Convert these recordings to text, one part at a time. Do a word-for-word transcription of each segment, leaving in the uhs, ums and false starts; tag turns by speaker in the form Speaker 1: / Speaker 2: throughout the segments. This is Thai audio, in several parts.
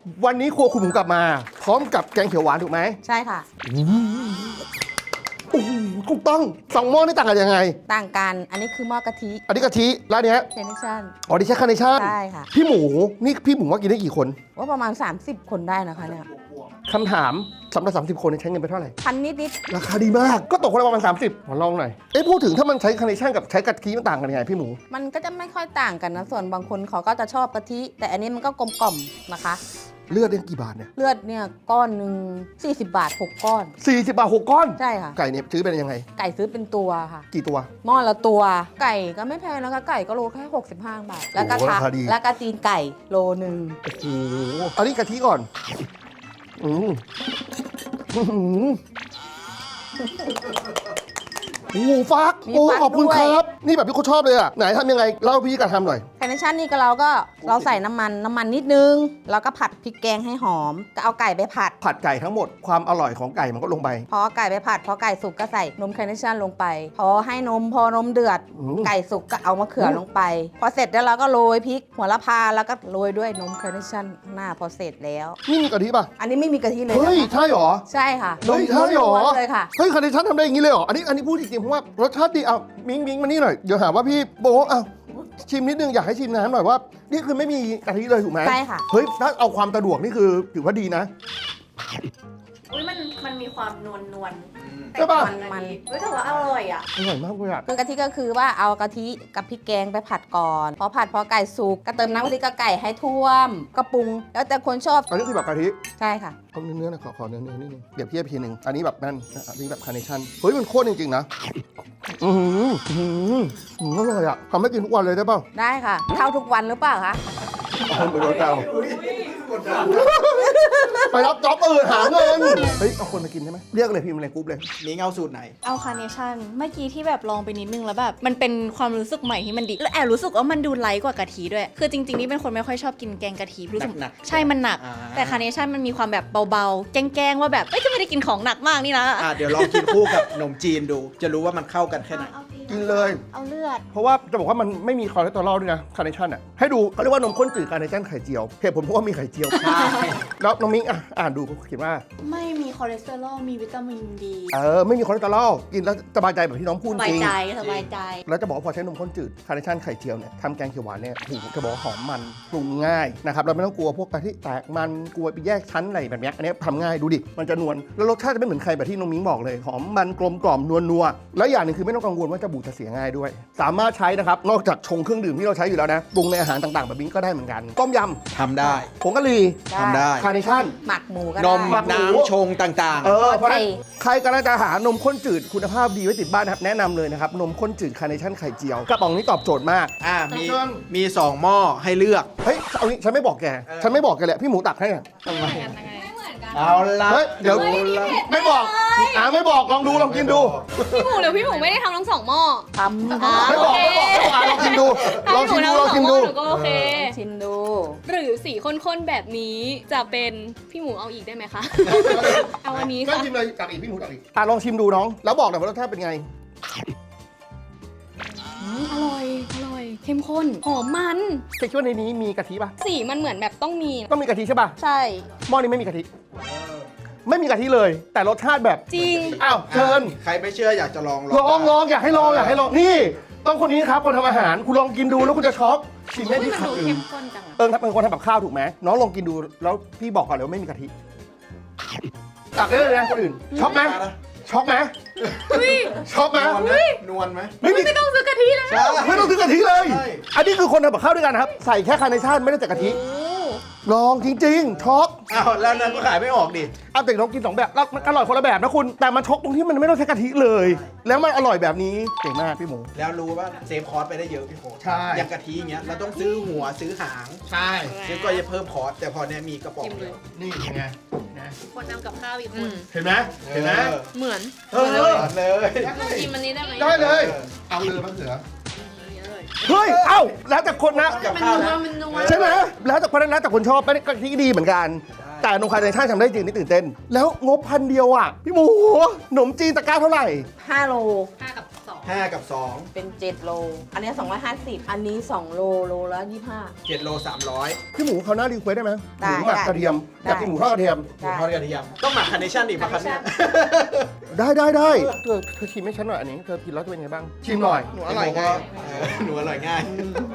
Speaker 1: วันนี้ครัวคุณหมูกลับมาพร้อมกับแกงเขียวหวานถูกไหม
Speaker 2: ใช่ค่ะ
Speaker 1: โอ้โหถูกต้องสองหม้อนี่ต่างกันยังไง
Speaker 2: ต่างกันอันนี้คือหม้อกะทิ
Speaker 1: อันนี้กะทิแล้วเนี้ย
Speaker 2: เทนชั่น
Speaker 1: อ๋อนี่ใช้คาร์เนชั่น
Speaker 2: ใช่ค่ะ
Speaker 1: พี่หมูนี่พี่หมูว่ากินได้กี่คน
Speaker 2: ว่าประมาณสามสิบคนได้นะคะเนี่ย
Speaker 1: คำถามสำหรับสามสิบคนใช้เงินไปเท่าไหร่
Speaker 2: พันนิดนิด
Speaker 1: ราคาดีมากก็ตกคนละประมาณสามสิบขอลองหน่อยเอ๊ะพูดถึงถ้ามันใช้คาร์เนชั่นกับใช้กะทิมันต่างกันยังไงพี่หมู
Speaker 2: มันก็จะไม่ค่อยต่างกันนะส่วนบางคนเขาก็จะชอบกะทิแต่อันนี้มันก็กลมกล่อมนะคะ
Speaker 1: เลือดเนี่ยกี่บาทเนี่ย
Speaker 2: เลือดเนี่ยก้อนหนึ่งสี่สิบบาทหกก้อน
Speaker 1: สี่สิบบาทหกก้อน
Speaker 2: ใช่ค่ะ
Speaker 1: ไก่เนี่ยซื้อเป็นยังไง
Speaker 2: ไก่ซื้อเป็นตัวค่ะ
Speaker 1: กี่ตัว
Speaker 2: หม้อละตัวไก่ก็ไม่แพงนะคะไก่ก็โลแค่หกสิบห้าบาทแล้วก็ขาแล้วก็ตีนไก่โลนึง
Speaker 1: โอ้โหอันนี้กะทิก่อนอืมโอ้ฟักโอ้ขอบคุณครับนี่แบบที่เขาชอบเลยอ่ะไหนทำยังไงเล่าพี่การทำหน่อย
Speaker 2: คาร์เนชั่นนี่ก็เราก็เราใส่น้ำมันน้ำมันนิดนึงแล้วก็ผัดพริกแกงให้หอมก็เอาไก่ไปผัด
Speaker 1: ผัดไก่ทั้งหมดความอร่อยของไก่มันก็ลงไป
Speaker 2: พอไก่ไปผัดพอไก่สุกก็ใส่นมคาร์เนชั่นลงไปพอให้นมพอนมเดือดไก่สุกก็เอามะเขือลงไปพอเสร็จแล้วเราก็โรยพริกหัวละพาแล้วก็โรยด้วยนมคาร์เนชั่นหน้าพอเสร็จแล้ว
Speaker 1: นี่มีกะทิป่ะ
Speaker 2: อันนี้ไม่มีกะทิเลย
Speaker 1: เฮ้ยใช่หรอ
Speaker 2: ใช่ค่ะ
Speaker 1: เฮ้ยใช่หรอ
Speaker 2: เลยค่ะ
Speaker 1: เฮ้ยคาร์เนชั่นทำได้อย่างนี้เลยหรออันนี้อันนี้พูดจริงๆเพราะว่ารสชาติดีเอามิ้งมิ้งมานี่หน่อยเดี๋ยวหาว่าพี่โบ๊ะอ่ะชิมนิดนึงอยากให้ชิมน้ำหน่อยว่านี่คือไม่มีกะทิเลยถูกไหม
Speaker 2: ใช่ค่ะ
Speaker 1: เฮ้ยถ้าเอาความสะดวกนี่คือถือว่าดีนะ
Speaker 3: อุ้ยมันมันมีความนวลนวล
Speaker 1: ใช่ป่ะ
Speaker 2: มัน
Speaker 3: เฮ้ยแต่ว่าอร่อยอ่ะ
Speaker 1: อร่อยมากเลยอ่ะ
Speaker 2: คือกะทิก็คือว่าเอากะทิกับพริกแกงไปผัดก่อนพอผัดพอไก่สุกก็เติมน้ำกะทิกับไก่ให้ท่วมก็ปรุงแล้วแต่คนชอบ
Speaker 1: อันนี้คือแบบกะทิ
Speaker 2: ใช่ค่ะ
Speaker 1: เอาเนื้อๆนะขอขอเนื้อๆนิดนึงเดี๋ยวเทียบทีนึงอันนี้แบบนั่นอันนี้แบบคาร์เนชั่นเฮ้ยมันโคตรจริงๆนะอือหืออืออร่อยอ่ะทำให้กินทุกวันเลยได้ป่ะ
Speaker 2: ได้ค่ะเท่าทุกวันหรือเปล่าคะ
Speaker 1: ไปโดนเตาไปรับจ็อบอื่นหาเงินเฮ้ยเอาคนมากินได้ไหมเรียกเลยพิมพ์อะไรกรุ๊ปเลย
Speaker 4: นี่เอาสูตรไหน
Speaker 3: เอาคาร์เนชั่นเมื่อกี้ที่แบบลองไปนิดนึงแล้วแบบมันเป็นความรู้สึกใหม่ที่มันดีแล้วแอบรู้สึกว่ามันดูไลท์กว่ากะทิด้วยคือจริงๆนี่เป็นคนไม่ค่อยชอบกินแกงกะทิรู้สึกใช่มันหนักแต่คาร์เนชั่นมันมีความแบบเบาๆแกล้งๆว่าแบบเอ้ยจะไม่ได้กินของหนักมากนี่นะ
Speaker 4: อ่ะเดี๋ยวลองกินคู่กับขนมจีนดูจะรู้ว่ามันเข้ากันแค่ไหน
Speaker 1: กินเลย
Speaker 3: เอาเลือด
Speaker 1: เพราะว่าจะบอกว่ามันไม่มีคอเลสเตอรอลด้วยนะคาร์เนชั่นอ่ะให้ดูเขาเรียกว่านมข้นจืดคาร์เนชั่นไข่เจียวเหตุผลเพราะว่ามีไข่เจียวใช่แล้วน้องมิ้งอ่ะอ่านดูเขาเขียนว่า
Speaker 3: ไม่มีคอเลสเตอรอลมีวิตามินดี
Speaker 1: เออไม่มีคอเลสเตอรอลกินแล้วสบายใจแบบที่น้องพูดจริง
Speaker 3: สบายใจสบายใจ
Speaker 1: แล้วจะบอกว่าพอใช้นมข้นจืดคาร์เนชั่นไข่เจียวเนี่ยทำแกงเขียวหวานเนี่ยถูกจะบอกว่าหอมมันปรุงง่ายนะครับเราไม่ต้องกลัวพวกกะทิแตกมันกลัวไปแยกชั้นอะไรแบบนี้อันนี้ทำง่ายดูดิมันจะนวลแล้วรสชาติจะไม่เหมือนใครแบบที่น้องมิ้งบอกเลยหอมมันกลมกล่อมนวลนัวแล้วอย่างหนึ่งคือไม่ต้องกังวลว่าจะบูดจะเสียง่ายด้วยสามารถใช้นะครับนอกจากชงเครื่องดื่มที่เราใช้อยู่แล้วนะปรุงในอาหารต่างๆแบบนี้ก็ได้เหมือนกันต้มย
Speaker 4: ำทำได้
Speaker 1: ผงกะหรี่
Speaker 4: ทำได้
Speaker 1: คาร์เนชั่น
Speaker 2: หมักหมูก็
Speaker 4: น
Speaker 2: ได้
Speaker 4: มน้ำชงต่างๆ
Speaker 1: เออเพราะใครกำลังจะหานมข้นจืดคุณภาพดีไว้ติดบ้านนะครับแนะนำเลยนะครับนมข้นจืดคาร์เนชั่นไข่เจียวกระป๋องนี้ตอบโจทย์มาก
Speaker 4: อ่ามีมีสองหม้อให้เลือก
Speaker 1: เฮ้ยเอางี้ฉันไม่บอกแกฉันไม่บอกแกแหละพี่หมูตักให้
Speaker 4: ทำไมเอาละ
Speaker 1: เดี๋ยวไม่บอกอ่าไม่บอกลองดูลองกินดู
Speaker 3: พี่หมูเดี๋ยวพี่หมูไม่ได้ทำทั้งสองหม้อ
Speaker 2: ทำ
Speaker 1: ไม่บอกไม่บอกไม่บอกลองกินดูลองชิมดูลองชิมดู
Speaker 3: ก็โอเค
Speaker 2: ชิมดู
Speaker 3: หรือสีข้นๆแบบนี้จะเป็นพี่หมูเอาอีกได้ไหมคะเอาอันนี้ค่ะ
Speaker 1: ก็ชิมเลยตักอีกพี่หมูตักอีกอ่ะลองชิมดูน้องแล้วบอกหน่อยว่ารสชาติเป็นไง
Speaker 3: อร่อยอร่อยเข้มข้นหอมมัน
Speaker 1: คิดว่าในนี้มีกะทิป่ะ
Speaker 3: สีมันเหมือนแบบต้องมี
Speaker 1: ต้องมีกะทิใช่ป่ะ
Speaker 3: ใช่
Speaker 1: หม้อนี้ไม่มีกะทิไม่มีกะทิเลยแต่รสชาติแบบ
Speaker 3: จริง
Speaker 1: อ้าวเชิญ
Speaker 4: ใครไม่เชื่ออยากจะลอง
Speaker 1: ลองลองอยากให้ลองอยากให้ลองนี่ต้องคนนี้ครับคนทำอาหารคุณลองกินดูแล้วคุณจะช็อกชิมได้ที่ขัดอื่นเออเป็นคนทำแบบข้าวถูกไหมน้องลองกินดูแล้วพี่บอกก่อนเลยว่าไม่มีกะทิตักได้เลยนะคนอื่นช็อกไหมช็อกไหมช็อกไหม
Speaker 4: นวลไหม
Speaker 1: ไม่
Speaker 3: ไม่ต้องซื้อกะทิเลย
Speaker 1: ไม่ต้องซื้อกะทิเลยอันนี้คือคนทำแบบข้าวด้วยกันนะครับใส่แค่คาร์เนชั่นไม่ได้แต่กะทิลองจริงๆช็อก
Speaker 4: อ้าวแล้วนั้นก็ขายไม่ออกดิ
Speaker 1: เอาแต่น้องกินสองแบบแล้วมันอร่อยคนละแบบนะคุณแต่มันช็อกตรงที่มันไม่ต้องใช้กะทิเลยแล้วมันอร่อยแบบนี้เก่งมากพี่หมู
Speaker 4: แล้วรู้ว่าเซฟคอสไปได้เยอะพี่โค้ช
Speaker 1: ใช่
Speaker 4: อย่างกะทิอย่างเงี้ยเราต้องซื้อหัวซื้อหาง
Speaker 1: ใช่
Speaker 4: ซึ่งก็จะเพิ่มคอสแต่พอเนี้ยมีกระป๋องเดียว
Speaker 1: นี่ไง
Speaker 3: คนทำกับข้าวอีกคน
Speaker 1: เห็นไหมเห็นไหม
Speaker 3: เหมือน
Speaker 1: เออเลย
Speaker 3: กินมันนี้ได้ไหม
Speaker 1: ได้เลยเอาเลยมะเขือเฮ้ยเอ้าแล้วแต่คนนะใช่ไหมแล้วแต่คนนั้นแล้วแต่คนชอบไม่ได้กะทิดีเหมือนกันแต่นมคาร์เนชั่นทำได้จริงนี่ตื่นเต้นแล้วงบพันเดียวอ่ะพี่หมูขนมจีนตะกร้าเท่าไหร่
Speaker 2: ห้าโล
Speaker 3: ห้ากับสอง
Speaker 4: ห้ากับสอง
Speaker 2: เป็นเจ็ดโล อันนี้สองร้อยห้าสิบอันนี้สองโลโลละยี่สิบห้า
Speaker 4: เจ็ดโลสามร้อย
Speaker 1: พี่หมูเขาหน้ารีเควสได้ไหม
Speaker 2: ได้
Speaker 1: หมูหมัก
Speaker 2: ได้
Speaker 1: กระเทียมอยากกินหมูทอดกระเทียม
Speaker 4: หมูทอดกระเทียมต้องหมักคาร์เนชั่นอีกป่ะครับเนี่ย
Speaker 1: ได้ได้ได้เธอเธอชิมให้ฉันหน่อยอันนี้เธอกินแล้วจะเป็นไงบ้างชิมหน่อย
Speaker 4: หนูอร่อยง่ายเออหนูอร่อยง่าย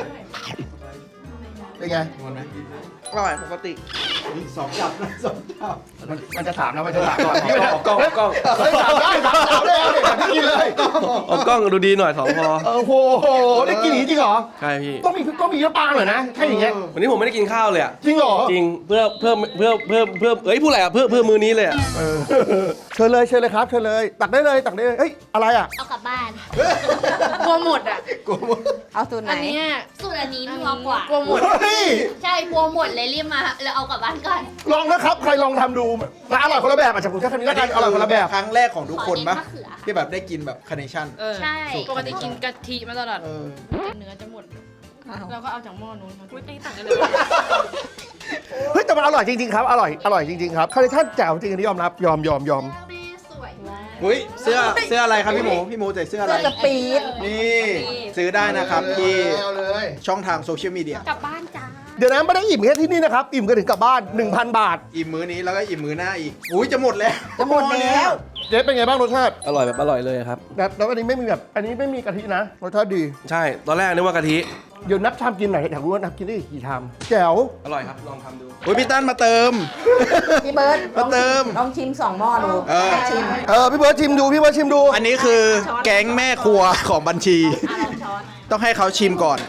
Speaker 1: เป็นไง
Speaker 4: นวลไหม
Speaker 2: อร่อยปกติ
Speaker 4: นี่สองจับนะสองจับ
Speaker 1: มันมันจะถามนะมันจะถามก่อน
Speaker 5: ออกกล้องออกกล้อง
Speaker 1: เฮ้ยถามได้ถามถามได้เอาเด็กแบบที่กินเลย
Speaker 5: ออกกล้องดูดีหน่อยสองพอ
Speaker 1: โอ้โหได้กินอย่างนี้จริงเหรอ
Speaker 5: ใช่พี่
Speaker 1: ต้องมีต้องมีน้ำปลาหน่อยนะใช่อย่างเงี้ย
Speaker 5: วันนี้ผมไม่ได้กินข้าวเลยอะ
Speaker 1: จริงเหรอ
Speaker 5: จริงเพื่อเพื่อเพื่อเพื่อเพื่อเอ้ยพูดอะไรอะเพื่อเพื่อมือนี้เลยอะ
Speaker 1: เออเชิญเลยเชิญเลยครับเชิญเลยตักได้เลยตักได้เลยเฮ้ยอะไรอ่ะ
Speaker 6: เอากลับบ้าน
Speaker 3: กลัวหมดอ่ะ
Speaker 4: กูหมด
Speaker 2: เอาสูตรไหน
Speaker 3: อันเนี้ย
Speaker 6: สูตรอันนี้นัวกว่า
Speaker 3: กลัวหมด
Speaker 1: เฮ้ย
Speaker 6: ใช่กลัวหมดเลยรีบมาแล้วเอากลับบ้านก่อน
Speaker 1: ลองนะครับใครลองทำดูมาอร่อยคนละแบบอาจจะผมแค่คำนี้แล้วกันอร่อยคนละแบบ
Speaker 4: ครั้งแรกของทุกคนปะ
Speaker 6: ขอเน้นมะเขือ
Speaker 4: ที่แบบได้กินแบบคาร์เนชั่น
Speaker 3: เออ
Speaker 6: ใช่
Speaker 3: ปกติกินกะทิมาตลอด
Speaker 4: เออ
Speaker 3: เนื้อจะหมด เราก็เอาจากหม้อนู้นมาไม่ต่างกันเลย
Speaker 1: เฮ้ยแต่มันอร่อยจริงๆครับอร่อยอร่อยจริงๆครับคาร์เนชั่นแจ๋วจริงอันนี้ยอมรับยอมยอมยอม
Speaker 6: แม่สวยมาก
Speaker 4: อุ้ยเสื้อเสื้ออะไรครับพี่หมูพี่หมูใส่เสื้ออะไร
Speaker 2: เสื้อจะปี๊ด
Speaker 4: นี่ซื้อได้นะครับที่
Speaker 1: เอาเลย
Speaker 4: ช่องทางโซเชียลมีเดีย
Speaker 6: กลับบ้านจ้า
Speaker 1: เดี๋ยวนะไม่ได้อิ่มแค่ที่นี่นะครับอิ่มกันถึงกลับบ้าน หนึ่งพัน บาท
Speaker 4: อิ่มมื้อนี้แล้วก็อิ่มมื้อหน้าอีก อุ้ยจะหมดแล้ว
Speaker 2: จะหมดแล้ว
Speaker 1: เจ๊เป็นไงบ้างรสชาติ
Speaker 5: อร่อยแบบอร่อยเลยครับ
Speaker 1: แบบแล้วอันนี้ไม่มีแบบอันนี้ไม่มีกะทินะรสชาติดี
Speaker 5: ใช่ตอนแรกนึกว่ากะทิ
Speaker 1: เดี๋ยวนับชามกินหน่อยอยากรู้ว่านับกินได้กี่ชามแจ๋ว
Speaker 5: อร่อยครับลองทำดู
Speaker 4: อุ้ยพี่ตั้นมาเติม
Speaker 2: พี่เบิร์ด
Speaker 4: มาเติม
Speaker 2: ลองชิมสองหม้อดู
Speaker 4: เออ
Speaker 2: ให้ชิม
Speaker 1: เออพี่เบิร์ดชิมดูพี่เบิร์ดชิมดู
Speaker 4: อันนี้คือแก๊งแม่ครัวของบัญชี ต้องให้เขาชิมก่อน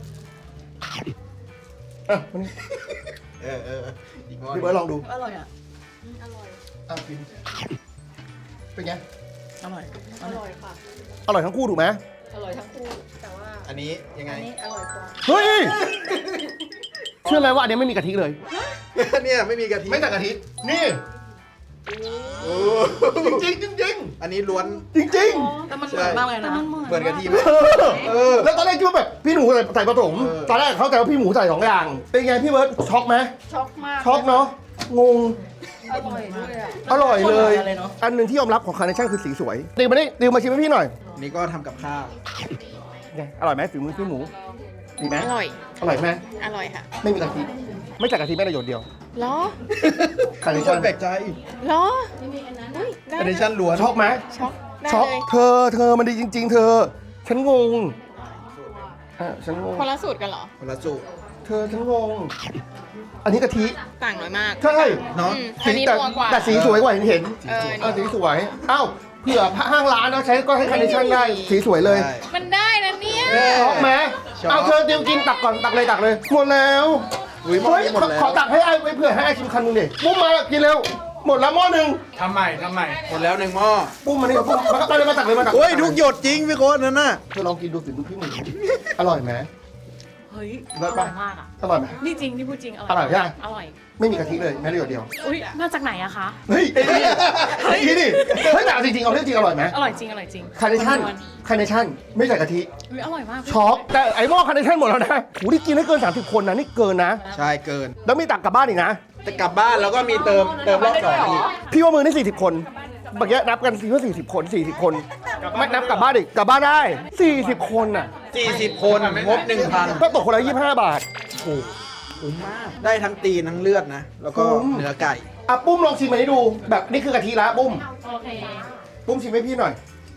Speaker 1: อ่ะมานี่
Speaker 4: เออเอออีกหม้อ
Speaker 1: พี่เบิร์ดลองดู
Speaker 3: อร่อยอ่ะ
Speaker 1: อ่ะกินเป็นไง
Speaker 3: อร่อย อร่อยค่ะ
Speaker 1: อร่อยทั้งคู่ถูกไหม
Speaker 3: อร่อยทั้งคู่ แต่ว่า
Speaker 4: อันนี้ยังไง
Speaker 3: อันนี้อร่อยกว่า
Speaker 1: เฮ้ยเชื่อไหมว่าอันนี้ไม่มีกะทิเลย
Speaker 4: เนี่ยไม่มีกะทิ
Speaker 1: ไม่แต่กะทินี่
Speaker 4: โอ้
Speaker 1: จริงจริงจริง
Speaker 4: อันนี้ล้วน
Speaker 1: จริงจริง
Speaker 3: แต่มันเหมือนมากเลยนะ
Speaker 4: เหมือนกะทิไหม
Speaker 1: เออเออแล้วตอนแรกคิดว่าแบบพี่หนูใส่ใส่ผสม
Speaker 4: เออ
Speaker 1: ตอนแรกเขาใจว่าพี่หมูใส่สองอย่าง เป็นไงพี่เบิร์ดช็อกไหม
Speaker 3: ช็อกมาก
Speaker 1: ช็อกเนาะงง
Speaker 3: อร่อยด้วยอ่ะ
Speaker 1: อร่อยเลย
Speaker 3: คนละเลยเนอะ
Speaker 1: อันหนึ่งที่ยอมรับของคาร์เนชั่นคือสีสวยดิวมาดิดิวมาชิมให้พี่หน่อย
Speaker 4: นี่ก็ทำกับข้าว
Speaker 1: ไงอร่อยไหมฝีมือพี่หมูดีไหม
Speaker 3: อร่อย
Speaker 1: อร่อยไหม
Speaker 3: อร่อยค่ะ
Speaker 1: ไม่มีกะทิไม่จากกะทิแม้แต่หยดเดียว
Speaker 3: เหรอ
Speaker 1: คาร์เน
Speaker 4: ทุกค
Speaker 1: ชั่
Speaker 4: น
Speaker 1: น
Speaker 4: แปลกใจ
Speaker 3: เหรออุ้ยได้
Speaker 4: คาร์เนชั่นล้วน
Speaker 1: ช็อกไหม
Speaker 3: ช็อกได้
Speaker 1: ช็อก
Speaker 3: เลย
Speaker 1: เธอเธอมันดีจริง ๆ เธอ ฉันงงอ่ะฉันงง
Speaker 3: คนละสูตรกันเหรอ
Speaker 4: คนละสูตร
Speaker 1: เธอฉันงง อันนี้กะทิ
Speaker 3: ต่างน้อยมาก
Speaker 1: ใช่
Speaker 4: เนาะ
Speaker 3: อืม
Speaker 1: สี
Speaker 3: อันนี้
Speaker 1: แต่
Speaker 3: นัวกว่า
Speaker 1: แต่สีสวยกว่าเห็นเห็น
Speaker 3: เออ
Speaker 1: เออสีสวย เอ้าเผื่อห้างร้านเขาใช้ก็ให้คาร์เนชั่นได้ สีสวยเลย
Speaker 4: ได้
Speaker 3: มันได้นะเนี่ย
Speaker 1: ช็อกไหม
Speaker 4: ช็อก
Speaker 1: เอาเธอเตรียมกินตักก่อนตักเลยตักเลย หมดแล้ว
Speaker 4: อุ้ยหมด
Speaker 1: เฮ้ย
Speaker 4: นี้หมดแล้ว
Speaker 1: ขอตักให้ไอ้ไว้เผื่อให้ไอ้ชิมคันหนึงดิปุ้มมากินเร็ว หมดแล้วหม้อหนึ่ง
Speaker 4: ทำใหม่ทำใหม่ หมดแล้วหนึ่งหม้อ
Speaker 1: ปุ้มมานี่ปุ้มมาก็เลยมาตักเลยมาตัก
Speaker 4: โอ้ยทุกหยดจริงพี่โค้ดนั่นน่ะ
Speaker 1: เธอลองกินดูสิดูพี่หมูอร่อยไหม
Speaker 7: เฮ้ย
Speaker 1: เลิ
Speaker 7: อ
Speaker 1: ศ
Speaker 7: ร่
Speaker 1: ปะ
Speaker 7: อยมากอ่ะ
Speaker 1: อร่อยไหม
Speaker 7: นี่จริงที่พูดจริง อ
Speaker 1: อร่
Speaker 7: ร่
Speaker 1: อ
Speaker 7: อย ย
Speaker 1: ใช่ไหม
Speaker 7: อร่อย
Speaker 1: ไม่มีกะทิเลยแม้แต่หยดเดียว
Speaker 7: อุ้ยมาจากไหนอะคะ
Speaker 1: เฮ้ยไอ้นี่ไอ้นี่ดิเฮ้ยแต่เอาจริงๆเอาเรื่องจริงอร่อยไหม
Speaker 7: อร่อยจริง อร่อยจริง
Speaker 1: คาร์เนชั่นคาร์เนชั่นไม่ใส่กะทิ
Speaker 7: อุ้ยอร่อยมาก
Speaker 1: ช็อกแต่ไอ้หม้อคาร์เนชั่นหมดแล้วนะโหนี่กินได้เกินสามสิบคนนะนี่เกินนะ
Speaker 4: ใช่เกิน
Speaker 1: แล้วมีตักกลับบ้านอีกนะ
Speaker 4: แต่กลับบ้านแล้วก็มีเติมเติมรอบสองอีก
Speaker 1: พี่ว่ามือนี่สี่สิบคนเมื่อกี้นับกันสี่ว่าสี่สิบคนสี่สิบคนไม่นับกลับบ้านอีกกลับบ้านได้สี่สิบคนน่ะ
Speaker 4: สี่สิบคนงบหนึ่งพัน
Speaker 1: ก็ตกคนละยี่สิบห้าบาท
Speaker 4: คุ้มมาก ได้ทั้งตีนทั้งเลือดนะ แล้วก็
Speaker 1: คุ้ม
Speaker 4: เนื้อไก่
Speaker 1: อ่ะปุ้มลองชิมอันนี้ดู แบบนี่คือกะทิละปุ้ม
Speaker 7: โอเค
Speaker 1: ปุ้มชิมให้พี่หน่อย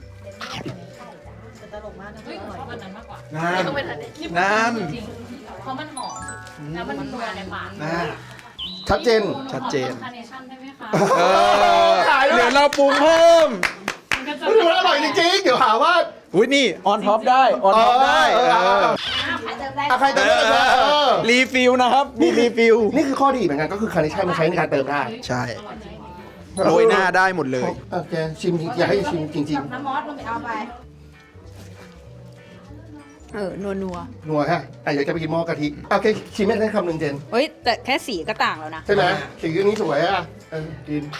Speaker 7: เฮ้ยชอบอันนั้นมากกว่า
Speaker 4: นั่น
Speaker 7: ต้องเป็นอันนี้
Speaker 4: นั่น
Speaker 7: จริงเพราะมันหอม แล้วมันนัวในปาก
Speaker 4: นั่น
Speaker 1: ชัดเจน
Speaker 4: ชัดเจน
Speaker 7: คาร์เนชั่นได้ไหมคะ
Speaker 4: เออ
Speaker 1: ขายด้วย
Speaker 4: เดี๋ยวเราปรุงเพิ่ม
Speaker 7: มันก็จะ
Speaker 1: เฮ้ยมันอร่อยจริงๆเดี๋ยวหาว่า
Speaker 4: อุ้ยนี่ ออนท็อปได้ ออนท็อปได้
Speaker 1: เออเออเออ
Speaker 4: เออ
Speaker 1: อ่ะใครเติมได้เลยเออ
Speaker 4: รีฟิลนะครับ มีรีฟิล
Speaker 1: นี่คือข้อดีเหมือนกันก็คือคาร์เนชั่นมันใช้ในการเติมได้
Speaker 4: ใช่ โรยหน้าได้หมดเลย
Speaker 1: โอเคชิมจริงๆอยากให้ชิมจริง
Speaker 2: น้ำมอสลงไปเอาไป เออ นัวนัว
Speaker 1: ๆนัวฮะอ่ะเดี๋ยวจะไปกินหม้อกะทิโอเคชิมให้ได้คำหนึ่งเจน
Speaker 2: เฮ้ย แต่แค่สีก็ต่างแล้วนะ
Speaker 1: ใช่ไหมสีนี้สวยอ่ะเออกิน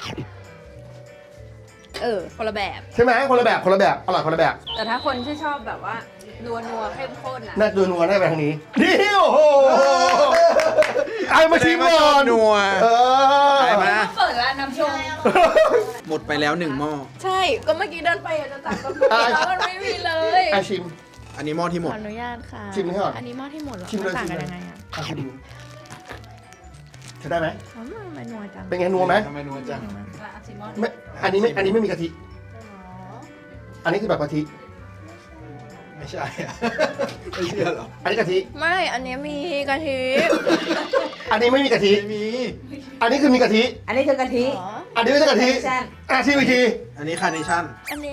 Speaker 2: เออ คนละแบบ
Speaker 1: ใช่ไหมคนละแบบคนละแบบอร่อยคนละแบบ
Speaker 2: แต่ถ้าคนที่ชอบแบบว่า นัวนัวเข้มข้นอ่ะ
Speaker 1: น่าดูนัวได้ไปทางนี้นี่โอ้โหไอ้มาชิมก่อน
Speaker 4: นัว
Speaker 1: เออ
Speaker 4: ไปมา
Speaker 2: เปิดร้านน้ำชง
Speaker 1: เอ
Speaker 4: หมดไปแล้วหนึ่งหม้อ
Speaker 3: ใช่ก็เมื่อกี้เดินไปอยากจะตักกาแฟ
Speaker 1: อ่ะ
Speaker 3: แล้วมันไม่มีเลย
Speaker 1: อ่ะชิม
Speaker 4: อันนี้หม้อที่หม
Speaker 3: ข
Speaker 4: ด
Speaker 3: ออนุญาตค่ะ
Speaker 1: ชิมให้ก่อน
Speaker 3: อันนี้หม้อที่หมดเหรอ
Speaker 1: ชิมเลย
Speaker 3: นต่าง
Speaker 1: ชิม
Speaker 3: กัน
Speaker 1: เลย
Speaker 3: ยังไงอ่ะ
Speaker 1: อ่ะชิมจะได้ไหม
Speaker 3: อ๋อมันนัวจัง
Speaker 1: เป็นไงนัวไหม
Speaker 4: ทำไมนัวจัง
Speaker 1: ไม่อันนี้ไม่อันนี้ไม่มีกะทิ อันนี้คือแบบกะทิ
Speaker 4: ไม่ใช่อะไม่เชื่อหรอ
Speaker 1: อันนี้กะทิ
Speaker 3: ไม่อันนี้มีกะทิ
Speaker 1: อันนี้ไม่มีกะทิ
Speaker 4: ไม่มี
Speaker 1: อันนี้คือมีกะทิ
Speaker 2: อันนี้คือกะทิ
Speaker 3: อ๋อ
Speaker 1: อันนี้ไม่ใช่กะทิ
Speaker 2: ใช่
Speaker 1: อ่ะชิมอีกที
Speaker 4: อันนี้คาร์เนชั่น
Speaker 3: อันนี้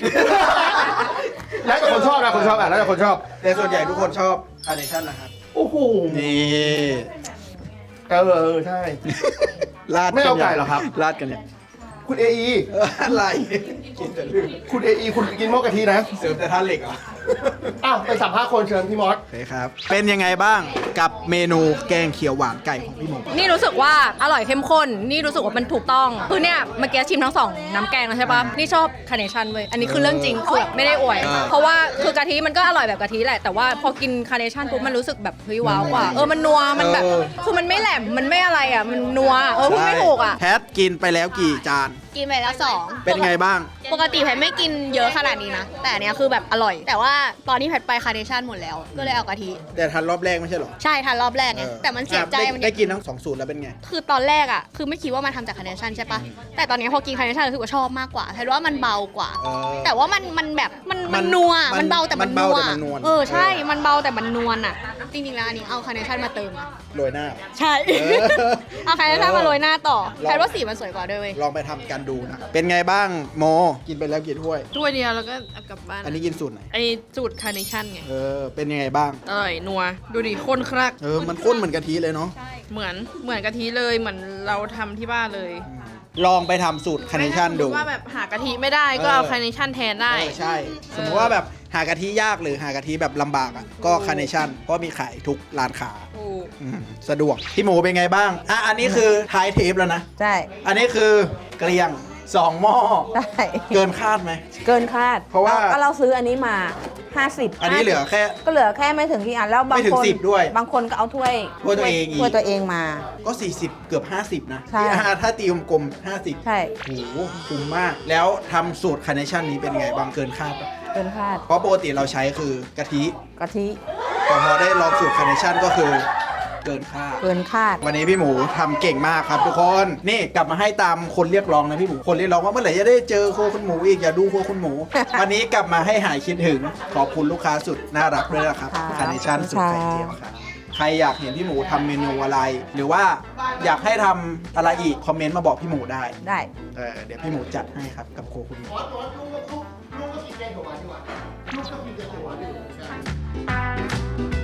Speaker 1: แล้วแต่คนชอบนะคนชอบอ่ะแล้วแต่คนชอบ
Speaker 4: แต่ส่วนใหญ่ทุกคนชอบคาร์เนชั่นนะครับ
Speaker 1: โอ้โห
Speaker 4: นี่
Speaker 1: เออเออใช่
Speaker 4: ลาด
Speaker 1: ไม่เอาไก่เหรอครับ
Speaker 4: ลาดกันเนี่ย
Speaker 1: คุณเอไอ
Speaker 4: เอออะไร กินแต่ลืม
Speaker 1: คุณเอไอคุณกินหม้อกะทินะ
Speaker 4: เสริมแต่ท่าเหล็กเหรอ
Speaker 1: อ้าวไปสัมภาษณ์คนเชิญพี่มอส
Speaker 4: โอเคครับ เป็นยังไงบ้างกับเมนูแกงเขียวหวานไก่ของพี่หมู
Speaker 8: นี่รู้สึกว่าอร่อยเข้มข้น นี่รู้สึกว่ามันถูกต้อง คือเนี่ยเมื่อกี้ชิมทั้งสองน้ำแกงแล้วใช่ปะนี่ชอบคาร์เนชั่นเว้ย อันนี้คือเรื่องจริงคือแบบไม่ได้อวย เพราะว่าคือกะทิมันก็อร่อยแบบกะทิแหละ แต่ว่าพอกินคาร์เนชั่นปุ๊บมันรู้สึกแบบเฮ้ยว้าวกว่า เออมันนัว มันแบบ คือมันไม่แหลม มันไม่อะไรอ่ะ มันนัว เออพูดไม่ถูกอ่ะ
Speaker 4: แพทกินไปแล้วกี่จาน
Speaker 6: กินไปแล้วสอง
Speaker 4: เป็นไงบ้าง
Speaker 6: ปกติแพทไม่กินเยอะขนาดนี้นะ แต่อันเนี้ยคือแบบอร่อย แต่ว่าตอนนี้แพทไปคาร์เนชั่นหมดแล้ว ก็เลยเอากะทิ
Speaker 4: แต่ทันรอบแรกไม่ใช่เหรอ
Speaker 6: ใช่ทานรอบแรกไง
Speaker 4: ออ
Speaker 6: แต่มันเสียใจ
Speaker 4: อ่ะ
Speaker 6: มัน
Speaker 4: ได้ได้กินทั้งสองสูตรแล้วเป็นไง
Speaker 6: คือตอนแรกอ่ะ คือไม่คิดว่ามันทำจากคาร์เนชั่นใช่ปะแต่ตอนนี้พอกินคาร์เนชั่นรู้สึกว่าชอบมากกว่าแพทว่ามันเบากว่า
Speaker 4: เออ
Speaker 6: แต่ว่ามันมันแบบมัน
Speaker 4: มั
Speaker 6: มัน นนัว
Speaker 4: มัน
Speaker 6: มันเบาแต่มัน
Speaker 4: มัน
Speaker 6: นั
Speaker 4: เบาว แต่มันนวล
Speaker 6: เออใช่
Speaker 4: เออ
Speaker 6: มันเบาแต่มันนวลอ่ะ จริงๆแล้วอันนี้เอาคาร์เนชั่นมาเติมอะ
Speaker 4: โรยหน้า
Speaker 6: ใช่
Speaker 4: เออ
Speaker 6: เอาคาร์เนชั่นมาโรยหน้าต่อ
Speaker 4: ลอง
Speaker 6: แพทว่าสีมันสวยกว่าด้วยเว้ย
Speaker 4: ลองไปทำกันดูนะ เป็นไงบ้างโม กินไปแล้วกี่ถ้วย
Speaker 8: ถ้วยเดียวแล้วก็เอากลับบ้าน
Speaker 4: อันนี้กินสูตรไหน
Speaker 8: ไอสูตรคาร์เนชั่นไง
Speaker 4: เออ เป็นยังไงบ้าง
Speaker 8: อร่อยนัว ดูดิข้นครัก
Speaker 4: เออ มันข้นเหมือนกะทิเลยเนาะ
Speaker 8: เหมือน เหมือนกะทิเลย เหมือนเราทำที่บ้านเลย
Speaker 4: ลองไปทำสูตรคาร์เนชั่นดู
Speaker 8: ว่าแบบหากะทิไม่ได้ก็เอาคาร์เนชั่นแทนได้
Speaker 4: เออใช่ สมมติว่าแบบหากะทิยากหรือหากะทิแบบลำบากอ่ะ ก็คาร์เนชั่นเพราะมีขายทุกร้านค้า
Speaker 8: ถูก
Speaker 4: อืมสะดวก พี่หมูเป็นไงบ้าง อ่ะ อันนี้คือท้ายเทปแล้วนะ
Speaker 2: ใช่
Speaker 4: อันนี้คือเกลียงสองหม้อ
Speaker 2: ใช่
Speaker 4: เกินคาดไหม
Speaker 2: เกินคาด
Speaker 4: เพราะว่า
Speaker 2: ก็เราซื้ออันนี้มาห้าสิบ
Speaker 4: อันนี้เหลือแค่
Speaker 2: ก็เหลือแค่ไม่ถึงกี่อันแล้วบาง
Speaker 4: ไม่ถึง
Speaker 2: คน
Speaker 4: สิบด้วย
Speaker 2: บางคนก็เอาถ้วย
Speaker 4: ถ้วยตัวเองอีก
Speaker 2: ถ้วยตัวเองมา
Speaker 4: ก็ สี่สิบ เกือบ ห้าสิบ นะ
Speaker 2: ใช่
Speaker 4: อ่าถ้าตีกลมๆห้าสิบ
Speaker 2: ใช่
Speaker 4: โอ้โหคุ้มมาก แล้วทำสูตรคาร์เนชั่นนี้เป็นไงบางเกินคาดปะ
Speaker 2: เกินคาด
Speaker 4: เพราะปกติเราใช้คือกะทิ
Speaker 2: กะทิ
Speaker 4: แต่พอได้ลองสูตรคาร์เนชั่นก็คือเกินคาด
Speaker 2: เกินคาด
Speaker 4: วันนี้พี่หมูทำเก่งมากครับทุกคน นี่กลับมาให้ตามคนเรียกร้องนะพี่หมู คนเรียกร้องว่าเมื่อไหร่จะได้เจอโครัวคุณหมูอีกอย่าดูโครัวคุณหมู วันนี้กลับมาให้หายคิดถึง ขอบคุณลูกค้าสุดน่ารักด้วยนะครับ
Speaker 2: ครับ
Speaker 4: คาร์เนชั่นสุดไข่เจียวครับ ใครอยากเห็นพี่หมูทำเมนูอะไร หรือว่าอยากให้ทำอะไรอีกคอมเมนต์มาบอกพี่หมูได้
Speaker 2: ได้
Speaker 4: เออเดี๋ยวพี่หมูจัดให้ครับกับโครัวคุณหมู
Speaker 1: มอสมอสลูกลูกลูกก็กินแกงเขียวหวานดีกว่าลูกก็กินแกงเขียวหวานดีกว่า